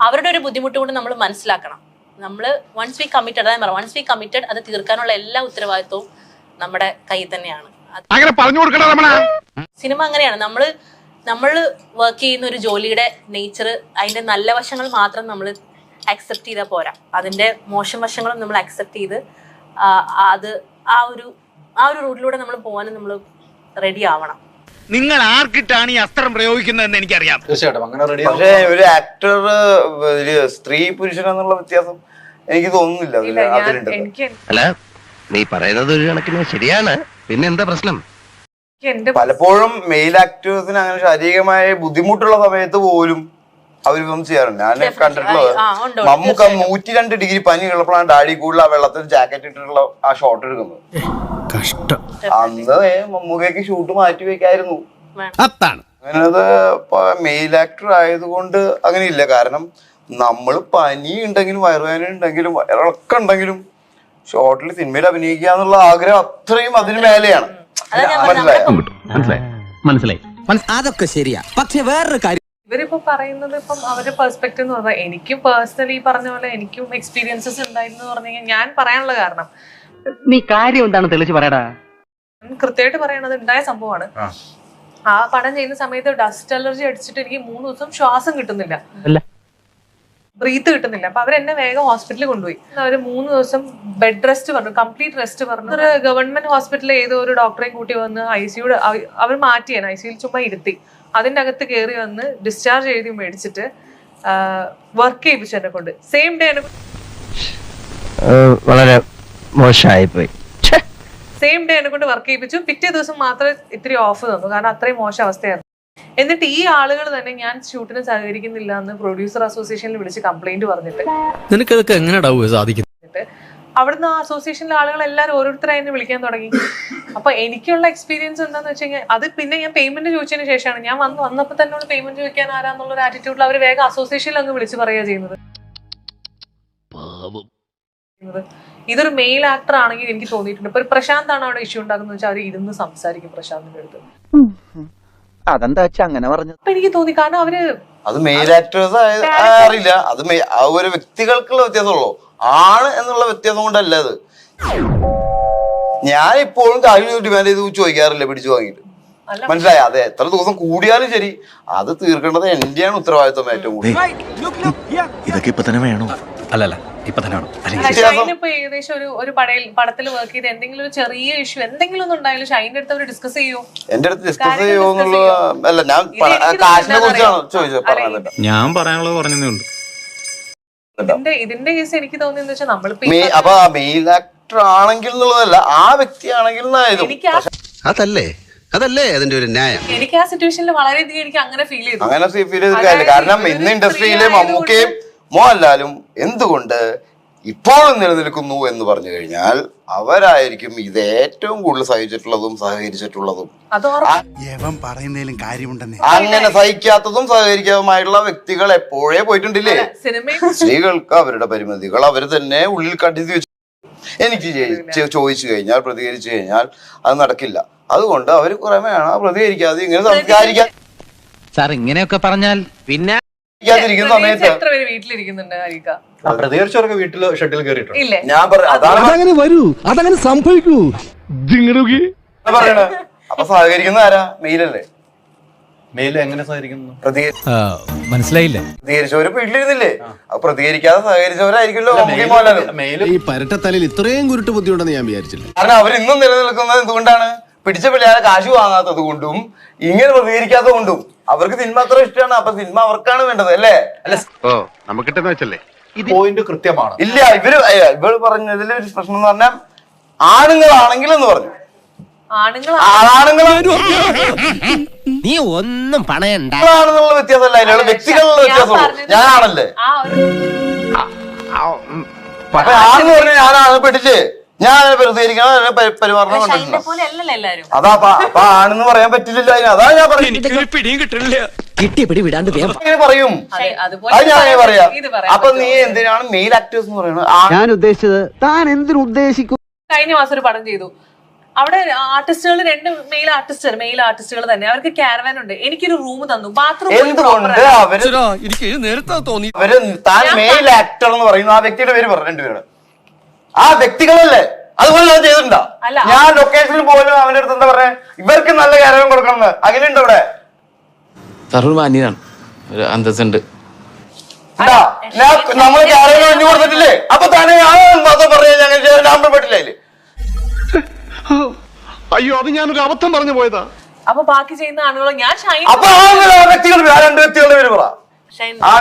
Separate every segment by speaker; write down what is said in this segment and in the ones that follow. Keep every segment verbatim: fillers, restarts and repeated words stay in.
Speaker 1: അവരുടെ ഒരു ബുദ്ധിമുട്ട് കൊണ്ട് നമ്മൾ മനസ്സിലാക്കണം. നമ്മൾ വൺസ് വി കമ്മിറ്റഡ്, അതായത് പറയാം വൺസ് വി കമ്മിറ്റഡ് അത് തീർക്കാനുള്ള എല്ലാ ഉത്തരവാദിത്വവും നമ്മുടെ കയ്യിൽ തന്നെയാണ്. സിനിമ അങ്ങനെയാണ്. നമ്മൾ നമ്മൾ വർക്ക് ചെയ്യുന്ന ഒരു ജോലിയുടെ നേച്ചർ, അതിന്റെ നല്ല വശങ്ങൾ മാത്രം നമ്മൾ അക്സെപ്റ്റ് ചെയ്താൽ പോരാ, അതിന്റെ മോശം വശങ്ങളും നമ്മൾ അക്സെപ്റ്റ് ചെയ്ത് അത് ആ ഒരു ആ ഒരു റൂട്ടിലൂടെ നമ്മൾ പോകാനും നമ്മൾ റെഡി ആവണം.
Speaker 2: നിങ്ങൾ ആർക്കിട്ടാണ് ഈ അസ്ത്രം പ്രയോഗിക്കുന്നതെന്ന് എനിക്കറിയാം.
Speaker 3: തീർച്ചയായിട്ടും അങ്ങനെ റെഡി.
Speaker 4: പക്ഷേ ഒരു ആക്ടർ ഒരു സ്ത്രീ പുരുഷൻ എന്നുള്ള വ്യത്യാസം എനിക്ക് തോന്നുന്നില്ല അതിലുണ്ട്.
Speaker 5: അല്ല, നീ പറയുന്നത് ഒരു കണക്കിന് ശരിയാണ്. പിന്നെ എന്താ പ്രശ്നം?
Speaker 4: പലപ്പോഴും മെയിൽ ആക്ടേഴ്സിന് അങ്ങനെ ശാരീരികമായ ബുദ്ധിമുട്ടുള്ള സമയത്ത് പോലും അവരിപ്പം ചെയ്യാറുണ്ട്. ഞാൻ കണ്ടിട്ടുള്ളത് മമ്മൂക്ക നൂറ്റി രണ്ട് ഡിഗ്രി പനി ഉള്ളപ്പോഴാണ് ഡാഡി കൂടുതൽ ആ വെള്ളത്തിൽ ജാക്കറ്റ് ഇട്ടിട്ടുള്ള ആ ഷോട്ട് എടുക്കുന്നത്.
Speaker 3: കഷ്ടം.
Speaker 4: അന്ന് മമ്മൂക്കയ്ക്ക് ഷൂട്ട് മാറ്റി വെക്കായിരുന്നു. അങ്ങനത് മെയിൽ ആക്ടർ ആയതുകൊണ്ട് അങ്ങനെ ഇല്ല. കാരണം നമ്മൾ പനി ഉണ്ടെങ്കിലും വയറുവേദന ഉണ്ടെങ്കിലും വയറിളക്കം ഉണ്ടെങ്കിലും ഷോർട്ടിൽ സിനിമയിൽ അഭിനയിക്കുക എന്നുള്ള ആഗ്രഹം അത്രയും അതിന് മേലെയാണ്.
Speaker 5: മനസ്സിലായി.
Speaker 6: അതൊക്കെ ശരിയാ. പക്ഷെ വേറൊരു കാര്യം
Speaker 7: ഇവരിപ്പോ പറയുന്നത്, ഇപ്പം അവരുടെ പെർസ്പെക്റ്റീവ് എന്ന് പറഞ്ഞാൽ എനിക്കും പേഴ്സണലി പറഞ്ഞ പോലെ എനിക്കും എക്സ്പീരിയൻസസ് ഉണ്ടായിരുന്നു പറഞ്ഞു കഴിഞ്ഞാൽ ഞാൻ പറയാനുള്ള കാരണം
Speaker 5: നീ കാര്യം എന്താണെന്ന് തെളിച്ച് പറയടാ.
Speaker 7: കൃത്യമായിട്ട് പറയണത് ഉണ്ടായ സംഭവമാണ്. ആ പടം ചെയ്യുന്ന സമയത്ത് ഡസ്റ്റ് അലർജി അടിച്ചിട്ട് എനിക്ക് മൂന്ന് ദിവസം ശ്വാസം കിട്ടുന്നില്ല, ബ്രീത്ത് കിട്ടുന്നില്ല. അപ്പൊ അവരെന്നെ വേഗം ഹോസ്പിറ്റലിൽ കൊണ്ടുപോയി. അവര് മൂന്ന് ദിവസം ബെഡ് റെസ്റ്റ് പറഞ്ഞു, കംപ്ലീറ്റ് റെസ്റ്റ് പറഞ്ഞു. ഒരു ഗവൺമെന്റ് ഹോസ്പിറ്റലിൽ ഏതോ ഒരു ഡോക്ടറെയും കൂട്ടി വന്ന് ഐ സിയുടെ അവർ മാറ്റിയാണ്, ഐ സിയിൽ ചുമ്മാ ഇരുത്തി അതിന്റെ അകത്ത് കയറി വന്ന് ഡിസ്ചാർജ് എഴുതി മേടിച്ചിട്ട് വർക്ക് ചെയ്യിപ്പിച്ചു എന്നെ കൊണ്ട്. സെയിം ഡേ
Speaker 5: വളരെ മോശമായി പോയി.
Speaker 7: സെയിം ഡേ എന്നെ കൊണ്ട് വർക്ക് ചെയ്യിപ്പിച്ചു. പിറ്റേ ദിവസം മാത്രമേ ഇത്തിരി ഓഫ് തന്നു, കാരണം അത്രയും മോശം അവസ്ഥയായിരുന്നു. എന്നിട്ട് ഈ ആളുകൾ തന്നെ ഞാൻ ഷൂട്ടിന് സഹകരിക്കുന്നില്ല എന്ന് പ്രൊഡ്യൂസർ അസോസിയേഷനിൽ വിളിച്ച് കംപ്ലൈന്റ് പറഞ്ഞിട്ട്
Speaker 3: നിനക്കതൊക്കെ എങ്ങനെ സാധിക്കും?
Speaker 7: അവിടുന്ന് ആ അസോസിയേഷനിലെ ആളുകൾ എല്ലാവരും ഓരോരുത്തരായി എന്നെ വിളിക്കാൻ തുടങ്ങി. അപ്പൊ എനിക്കുള്ള എക്സ്പീരിയൻസ് എന്താന്ന് വെച്ച് കഴിഞ്ഞാൽ അത് പിന്നെ ഞാൻ പേയ്മെന്റ് ചോദിച്ചതിന് ശേഷമാണ്. ഞാൻ വന്ന് വന്നപ്പോൾ തന്നെ പേയ്മെന്റ് ചോദിക്കാൻ ആരാന്നുള്ള ഒരു ആറ്റിറ്റ്യൂഡിൽ അവർ വേഗം അസോസിയേഷനിൽ അങ്ങ് വിളിച്ച് പറയുക ചെയ്യുന്നത്. ഇതൊരു മെയിൽ ആക്ടർ ആണെങ്കിൽ എനിക്ക് തോന്നിയിട്ടുണ്ട്. ഇപ്പൊ ഒരു പ്രശാന്ത് ആണ് അവിടെ ഇഷ്യൂ ഉണ്ടാക്കുന്നത് വെച്ചാൽ അവർ ഇരുന്ന് സംസാരിക്കും പ്രശാന്തിന്റെ അടുത്ത്.
Speaker 6: അതെന്താ വെച്ചാ അങ്ങനെ പറഞ്ഞത്?
Speaker 7: അപ്പൊ എനിക്ക് തോന്നി, കാരണം അവര്
Speaker 4: അത് മെയിൽ ആക്ടേഴ്സ് അറിയില്ല, അത് ആ ഒരു വ്യക്തികൾക്കുള്ള വ്യത്യാസമുള്ളൂ. ആണ് എന്നുള്ള വ്യത്യാസം കൊണ്ടല്ല അത്. ഞാൻ ഇപ്പോഴും കാര്യം ഡിമാൻഡ് ചെയ്ത് ചോദിക്കാറില്ല പിടിച്ചു വാങ്ങിയിട്ട്. മനസ്സിലായി? അതെ, എത്ര ദിവസം കൂടിയാലും ശരി അത് തീർക്കേണ്ടത് എന്റെയാണ് ഉത്തരവാദിത്വം ഏറ്റവും കൂടുതൽ.
Speaker 3: ഇതൊക്കെ ഇപ്പൊ തന്നെ വേണോ? അല്ലല്ല, ഇപ്പൊ തന്നെ വേണം.
Speaker 7: ഇപ്പൊ ഏകദേശം ഒരു ഒരു പടത്തിൽ വർക്ക് ചെയ്ത് എന്തെങ്കിലും ഒരു ചെറിയ ഇഷ്യൂ എന്തെങ്കിലും ഒന്നും ഉണ്ടായാലും ഷൈൻ്റെ അടുത്ത് അവർ ഡിസ്കസ് ചെയ്യോ?
Speaker 4: എന്റെ അടുത്ത് ഡിസ്കസ് ചെയ്യോ എന്നുള്ള അല്ല, ഞാൻ കാശിനെ കുറിച്ചാണ് ചോദിച്ചത്. പറഞ്ഞത്
Speaker 3: ഞാൻ പറയാനുള്ളത് പറഞ്ഞതേ ഉള്ളൂ.
Speaker 7: ഇതിന്റെ ഇതിന്റെ കേസ് എനിക്ക് തോന്നിയെന്ന് വെച്ചാൽ നമ്മളിപ്പോ
Speaker 4: അപ്പൊ മെയിൽ ആക്ടർ ആണെങ്കിൽ എന്നുള്ളതല്ല, ആ വ്യക്തി ആണെങ്കിൽ
Speaker 6: അതല്ലേ അതല്ലേ അതിന്റെ ഒരു ന്യായം.
Speaker 7: എനിക്ക് ആ സിറ്റുവേഷനിൽ വളരെയധികം എനിക്ക് അങ്ങനെ ഫീൽ ചെയ്തു.
Speaker 4: അങ്ങനെ ഫീൽ ചെയ്തിട്ടില്ല. കാരണം ഇന്ന് ഇൻഡസ്ട്രിയിലെ മമ്മൂക്കയും മോഹൻലാലും എന്തുകൊണ്ട് ഇപ്പോഴും നിലനിൽക്കുന്നു എന്ന് പറഞ്ഞു കഴിഞ്ഞാൽ അവരായിരിക്കും ഇത് ഏറ്റവും കൂടുതൽ സഹിച്ചിട്ടുള്ളതും സഹകരിച്ചിട്ടുള്ളതും. അങ്ങനെ സഹിക്കാത്തതും സഹകരിക്കാതുമായിട്ടുള്ള വ്യക്തികൾ എപ്പോഴേ പോയിട്ടുണ്ടില്ലേ? സ്ത്രീകൾക്ക് അവരുടെ പരിമിതികൾ അവർ തന്നെ ഉള്ളിൽ കണ്ടെത്തി വെച്ചു. എനിക്ക് ചോദിച്ചു കഴിഞ്ഞാൽ പ്രതികരിച്ചു കഴിഞ്ഞാൽ അത് നടക്കില്ല. അതുകൊണ്ട് അവർ കുറെ വേണം പ്രതികരിക്കാതെ ഇങ്ങനെ സംസ്കാരിക്കാൻ.
Speaker 5: സാർ ഇങ്ങനെയൊക്കെ പറഞ്ഞാൽ പിന്നെ
Speaker 4: സമയത്ത്
Speaker 3: പ്രതികരിച്ചവർക്ക് വീട്ടില് ഷട്ടിൽ കയറിയിട്ടുണ്ട്.
Speaker 4: ഞാൻ
Speaker 6: അതങ്ങനെ വരൂ, അതങ്ങനെ സംഭവിക്കൂ.
Speaker 4: പറയണ അപ്പൊ സഹകരിക്കുന്ന ആരാ? മെയിലല്ലേ?
Speaker 3: മെയില് എങ്ങനെ സഹകരിക്കുന്നു?
Speaker 5: മനസ്സിലായില്ല.
Speaker 4: പ്രതികരിച്ചവര് വീട്ടിലിരുന്നില്ലേ? അപ്പൊ പ്രതികരിക്കാതെ സഹകരിച്ചവരായിരിക്കുമല്ലോ.
Speaker 6: ഈ പരട്ടത്തലയിൽ ഇത്രയും കുരുട്ട് ബുദ്ധി ഉണ്ടെന്ന് ഞാൻ വിചാരിച്ചില്ല.
Speaker 4: കാരണം അവർ ഇന്നും നിലനിൽക്കുന്നത് എന്തുകൊണ്ടാണ്? പിടിച്ച പിള്ളേരെ കാശ് വാങ്ങാത്തത് കൊണ്ടും ഇങ്ങനെ പ്രതികരിക്കാത്തത് കൊണ്ടും. അവർക്ക് സിനിമ അത്ര ഇഷ്ടമാണ്. അപ്പൊ സിനിമ അവർക്കാണ് വേണ്ടത് അല്ലേ?
Speaker 5: നമുക്കിട്ടെന്ന് വെച്ചല്ലേ
Speaker 3: പോയിന്റ് കൃത്യമാണ്.
Speaker 4: ഇല്ല, ഇവര് ഇവര് പറഞ്ഞതിൽ ഒരു പ്രശ്നം എന്ന് പറഞ്ഞാൽ ആണുങ്ങളാണെങ്കിൽ എന്ന് പറഞ്ഞു. ആണുങ്ങളാണെന്നുള്ള
Speaker 6: നീ ഒന്നും പണയണ്ട
Speaker 4: വ്യത്യാസമല്ല, അതിനുള്ള വ്യക്തികളുള്ള വ്യത്യാസമുള്ളൂ. ഞാനാണല്ലേ? അപ്പൊ ആണെന്ന് പറഞ്ഞാൽ ഞാനാണ് പെട്ടിട്ട് ഞാൻ പ്രതികരിക്കണം പെരുമാറണം കണ്ടിട്ടുണ്ടോ? അതാ അപ്പൊ ആണെന്ന് പറയാൻ പറ്റില്ല. അതാ ഞാൻ പറയുന്നത്.
Speaker 5: പിടിയും കിട്ടില്ല.
Speaker 6: കിട്ടിയ പിടി വിടാണ്ട്
Speaker 4: അങ്ങനെ പറയും. അത് ഞാൻ അങ്ങനെ പറയാം. അപ്പൊ നീ എന്തിനാണ് മെയിൽ ആക്ടേഴ്സ് എന്ന് പറയുന്നത്?
Speaker 6: ഞാൻ ഉദ്ദേശിച്ചത് താൻ എന്തിനു ഉദ്ദേശിക്കും?
Speaker 7: കഴിഞ്ഞ മാസം ഒരു പടം ചെയ്തു. അവിടെ ആർട്ടിസ്റ്റുകൾ രണ്ട് മെയിൽ ആർട്ടിസ്റ്റ് മെയിൽ ആർട്ടിസ്റ്റുകൾ തന്നെ, അവർക്ക് ക്യാരവാൻ ഉണ്ട്. എനിക്കൊരു റൂം തന്നു, ബാത്റൂം
Speaker 4: എന്തുകൊണ്ട് അവര്
Speaker 3: എനിക്ക് നേരത്തെ തോന്നി
Speaker 4: അവര് താൻ മെയിൽ ആക്ടർ എന്ന് പറയുന്നു ആ വ്യക്തിയുടെ പേര് പറഞ്ഞു രണ്ടുപേരുടെ ആ വ്യക്തികളല്ലേ അതുപോലെ ഞാൻ ചെയ്തിട്ടുണ്ടോ?
Speaker 7: അല്ല.
Speaker 4: ഞാൻ ലൊക്കേഷനിൽ പോലും അവന്റെ അടുത്ത് എന്താ പറയാ ഇവർക്ക് നല്ല കാര്യം കൊടുക്കണം എന്ന് അഖിലുണ്ട് ഇവിടെ
Speaker 8: സാർ ഒരു മാന്യനാണ്, ഒരു അന്തസ്സുണ്ട്.
Speaker 4: എന്താ ഞാൻ നമ്മള് കാര്യം ഒഴിഞ്ഞു കൊടുത്തിട്ടില്ലേ? അപ്പൊ തന്നെ ഞാൻ മാത്രം പറഞ്ഞാൽ ഞങ്ങൾ നമ്പർ പെട്ടില്ലേ അതില്?
Speaker 2: അയ്യോ അത് ഞാനൊരു അബദ്ധം പറഞ്ഞു പോയതാ.
Speaker 7: അപ്പൊ ബാക്കി ചെയ്യുന്ന ആളുകളോ ഞാൻ ഷൈൻ
Speaker 4: അപ്പൊ ആ വ്യക്തികൾ ആ രണ്ട് വ്യക്തികളുടെ പേര് പറ.
Speaker 1: ഷൈൻ
Speaker 4: ആ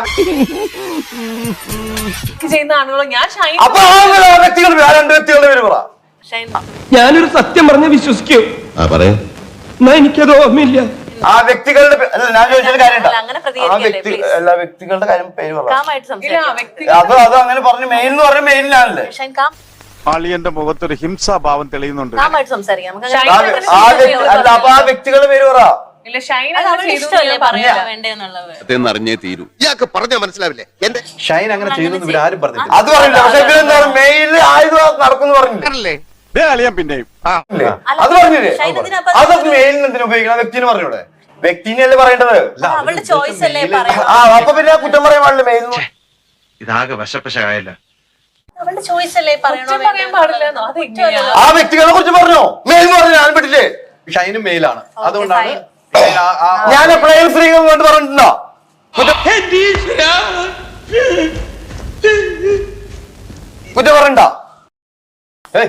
Speaker 7: ബാക്കി ചെയ്യുന്ന ആളുകളോ ഞാൻ ഷൈൻ
Speaker 4: അപ്പൊ ആ വ്യക്തികൾ ആ രണ്ട് വ്യക്തികളുടെ പേര് പറ.
Speaker 1: ഷൈൻ
Speaker 9: ഞാനൊരു സത്യം പറഞ്ഞ് വിശ്വസിക്കൂ,
Speaker 6: പറയാ
Speaker 9: എന്നാ എനിക്കത് ഓർമ്മയില്ല.
Speaker 4: ആ വ്യക്തികളുടെ പേ- അല്ല ഞാൻ ചോദിച്ചാൽ കാര്യം
Speaker 1: അല്ല, അങ്ങനെ
Speaker 4: ആ
Speaker 1: പ്രതികരിക്കല്ലേ,
Speaker 4: വ്യക്തി
Speaker 1: please.
Speaker 4: എല്ലാ വ്യക്തികളുടെ കാര്യം പേര് പറ.
Speaker 1: കാമായിട്ട്
Speaker 7: ഇല്ല,
Speaker 1: സംസാരിക്കാം.
Speaker 7: വ്യക്തി
Speaker 4: അത് അത് അങ്ങനെ പറഞ്ഞു മെയിൽ എന്ന് പറഞ്ഞ മെയിലിനാണല്ലേ
Speaker 1: ഷൈൻ കാം
Speaker 2: അളിയന്റെ മുഖത്തൊരു ഹിംസാഭാവം തെളിയുന്നുണ്ട്.
Speaker 1: കാമായിട്ട് സംസാരിക്കാം. നമുക്ക്
Speaker 7: ഷൈൻ
Speaker 4: ആ
Speaker 1: അങ്ങനെ
Speaker 4: വ്യ- ആ വ്യക്തി അല്ല അപ്പൊ ആ വ്യക്തികളുടെ പേര് പറ.
Speaker 7: ഇല്ല ഷൈൻ
Speaker 1: അത്
Speaker 7: അങ്ങനെ
Speaker 1: അവരുടെ
Speaker 7: ചെയ്തു എന്ന്
Speaker 1: ഇഷ്ടമല്ലേ
Speaker 7: ഞാൻ
Speaker 1: പറയാ
Speaker 7: പറഞ്ഞില്ല.
Speaker 1: വേണ്ടെന്നുള്ളത്.
Speaker 6: അറിഞ്ഞേ തീരൂ. ഇയാൾക്ക് പറഞ്ഞാൽ മനസ്സിലാവില്ലേ? എന്റെ
Speaker 3: ഷൈൻ അങ്ങനെ ചെയ്യുന്നു ഇവരാരും പറഞ്ഞില്ല.
Speaker 4: അത് പറഞ്ഞില്ല പക്ഷെ ഇവരെന്താ മെയിൽ ആയത് നടക്കുന്നു പറഞ്ഞില്ലേ?
Speaker 2: ദേ അളിയൻ പിന്നെയും ആ
Speaker 4: ഇല്ലേ?
Speaker 1: അല്ല,
Speaker 4: അത് പറഞ്ഞില്ലേ?
Speaker 1: ഷൈൻ ഇതിനപ്പോ
Speaker 4: അതൊക്കെ മെയിലിന് എന്തിനു ഉപയോഗിക്കണം? വ്യക്തിന് പറഞ്ഞൂടെ? വ്യക്തിനല്ലേ പറയേണ്ടത്?
Speaker 1: അത് അവളുടെ ചോയ്സ് അല്ലേ പറയാം.
Speaker 4: ആ അപ്പൊ പിന്നെ കുറ്റം പറയാൻ പാടില്ല മെയിൽ
Speaker 3: ഇതാകെ വശപ്പശകായല്ല.
Speaker 1: അവളുടെ ചോയ്സ് അല്ലേ പറയണോ
Speaker 7: കുറ്റം പറയാൻ പാടില്ലെന്നോ? അത് എങ്ങനെയാ?
Speaker 4: ആ വ്യക്തികളെ കുറിച്ച് പറഞ്ഞോ? മെയിൽ എന്ന് പറഞ്ഞു ഞാൻ പറ്റില്ലേ?
Speaker 3: ഷൈനും മെയിലാണ്,
Speaker 1: Okay,
Speaker 3: അതുകൊണ്ടാണ്
Speaker 1: fine.
Speaker 3: ഷൈൻ ആ- ആ-
Speaker 4: ഞാൻ എപ്പോഴേലും സ്ത്രീകൾ കൊണ്ട് പറഞ്ഞിട്ടുണ്ടോ? കുറ്റം കുറ്റം പറയണ്ട. ഏയ്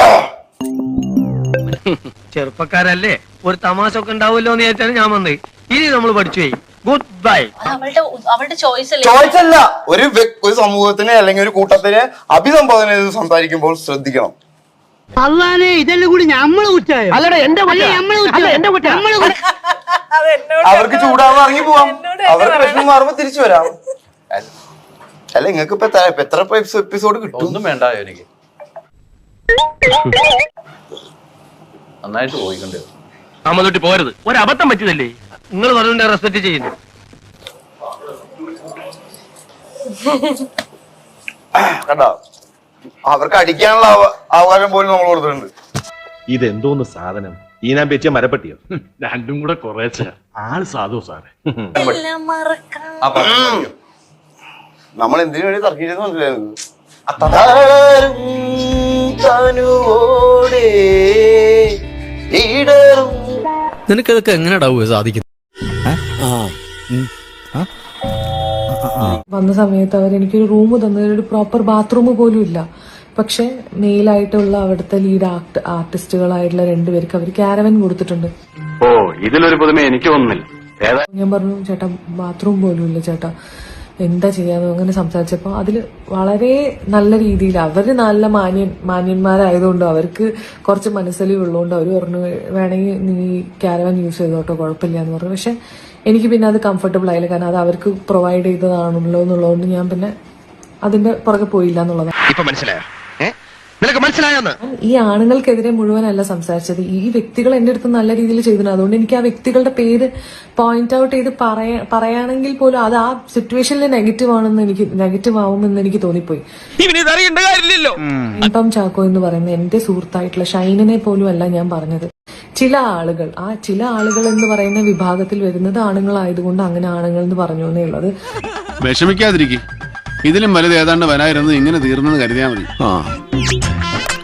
Speaker 9: ചെറുപ്പക്കാരല്ലേ, ഒരു തമാശ ഒക്കെ ഉണ്ടാവുമല്ലോ എന്ന് വിചാരിച്ചാണ് ഞാൻ വന്നത്. ഇനി നമ്മൾ പഠിച്ചു പോയി. Goodbye.
Speaker 1: അത് അവളുടെ അവളുടെ ചോയ്സ് അല്ലേ.
Speaker 4: ചോയ്സ് അല്ല, ഒരു വ്യ- ഒരു സമൂഹത്തിനെ അല്ലെങ്കിൽ ഒരു കൂട്ടത്തിനെ അഭിസംബോധന ചെയ്ത് സംസാരിക്കുമ്പോൾ ശ്രദ്ധിക്കണം.
Speaker 9: അല്ലാതെ ഇതെല്ലാം കൂടി നമ്മള് കുറ്റായോ? അല്ലടാ എന്റെ എന്റെ കുറ്റ
Speaker 7: അത് എന്നോട്
Speaker 4: അവർക്ക് ചൂടാവുന്ന ഇറങ്ങി പോവാം,
Speaker 7: എന്നോട്
Speaker 4: അവർക്ക് പ്രശ്നം മാറുമ്പോ തിരിച്ചു വരാം. അല്ല അല്ല, നിങ്ങൾക്ക് ഇപ്പൊ എത്ര ഇപ്പൊ എത്ര എപ്പിസോഡ് കിട്ടും?
Speaker 3: ഒന്നും വേണ്ട എനിക്ക് നന്നായിട്ട് പോയിട്ടുണ്ട്.
Speaker 9: അമ്മ പോരുത്, ഒരു അബദ്ധം പറ്റിയതല്ലേ, നിങ്ങൾ പറഞ്ഞ റെസ്പെക്ട് ചെയ്യുന്നു.
Speaker 4: കണ്ടോ, അവർക്ക് അടിക്കാനുള്ള അവ- അവകാശം പോലും നമ്മൾ കൊടുത്തിട്ടുണ്ട്.
Speaker 10: ഇതെന്തോന്ന് സാധനം? ഈനാൻ പറ്റിയ മരപ്പട്ടിയോ?
Speaker 3: രണ്ടും കൂടെ കുറേശ്ശെ ആള് സാധു സാറേ.
Speaker 1: എല്ലാം മറക്കാം.
Speaker 3: ആ പാട്ട് പാടിക്കോ.
Speaker 4: നമ്മൾ എന്തിനു വേണ്ടി തർക്കിച്ചെന്ന് മനസ്സിലായിരുന്നു.
Speaker 8: നിനക്കതൊക്കെ എങ്ങനെയാ സാധിക്കുന്നത്?
Speaker 7: വന്ന സമയത്ത് അവർ എനിക്കൊരു റൂം തന്നത്, ഒരു പ്രോപ്പർ ബാത്റൂം പോലും ഇല്ല. പക്ഷെ മെയിലായിട്ടുള്ള അവിടുത്തെ ലീഡ് ആർട്ട് ആർട്ടിസ്റ്റുകളായിട്ടുള്ള രണ്ടുപേർക്ക് അവർ ക്യാരവൻ കൊടുത്തിട്ടുണ്ട്.
Speaker 8: ഓ ഇതിലൊരു പുതുമ എനിക്ക് തോന്നുന്നില്ല.
Speaker 7: ഞാൻ പറഞ്ഞു ചേട്ടാ ബാത്റൂം പോലും ഇല്ല ചേട്ടാ, എന്താ ചെയ്യാന്ന് അങ്ങനെ സംസാരിച്ചപ്പോൾ അതിൽ വളരെ നല്ല രീതിയിൽ അവർ നല്ല മാന്യൻ മാന്യന്മാരായതുകൊണ്ട് അവർക്ക് കുറച്ച് മനസ്സലിവുള്ളതുകൊണ്ട് അവർ പറഞ്ഞു വേണമെങ്കിൽ നീ ക്യാരവൻ യൂസ് ചെയ്തോട്ടോ കുഴപ്പമില്ല എന്ന് പറഞ്ഞു. പക്ഷെ എനിക്ക് പിന്നെ അത് കംഫർട്ടബിൾ ആയില്ല, കാരണം അത് അവർക്ക് പ്രൊവൈഡ് ചെയ്തതാണല്ലോ എന്നുള്ളതുകൊണ്ട് ഞാൻ പിന്നെ അതിന്റെ പുറകെ പോയില്ല എന്നുള്ളതാണ്.
Speaker 5: ഇപ്പൊ മനസ്സിലായോ? നിനക്ക് മനസ്സിലായോന്ന്?
Speaker 7: ഈ ആണുങ്ങൾക്കെതിരെ മുഴുവനല്ല സംസാരിച്ചത്, ഈ വ്യക്തികൾ എന്റെ അടുത്ത് നല്ല രീതിയിൽ ചെയ്തിട്ടുണ്ട്. അതുകൊണ്ട് എനിക്ക് ആ വ്യക്തികളുടെ പേര് പോയിന്റ് ഔട്ട് ചെയ്ത് പറയാ പറയുകയാണെങ്കിൽ പോലും അത് ആ സിറ്റുവേഷനിൽ നെഗറ്റീവ് ആണെന്ന് എനിക്ക് നെഗറ്റീവ് ആവുമെന്ന് എനിക്ക് തോന്നിപ്പോയി. ടോം ചാക്കോ എന്ന് പറയുന്ന എന്റെ സുഹൃത്തായിട്ടുള്ള ഷൈനിനെ പോലും അല്ല ഞാൻ പറഞ്ഞത്. ചില ആളുകൾ, ആ ചില ആളുകൾ എന്ന് പറയുന്ന വിഭാഗത്തിൽ വരുന്നത് ആണുങ്ങളായതുകൊണ്ട് അങ്ങനെ ആണുങ്ങൾ എന്ന് പറഞ്ഞു എന്നേ ഉള്ളത്.
Speaker 2: വിഷമിക്കാതിരിക്കും, ഇതിലും വലുത് ഏതാണ്ട് വരായിരുന്നു, ഇങ്ങനെ തീർന്നെന്ന് കരുതിയാൽ മതി.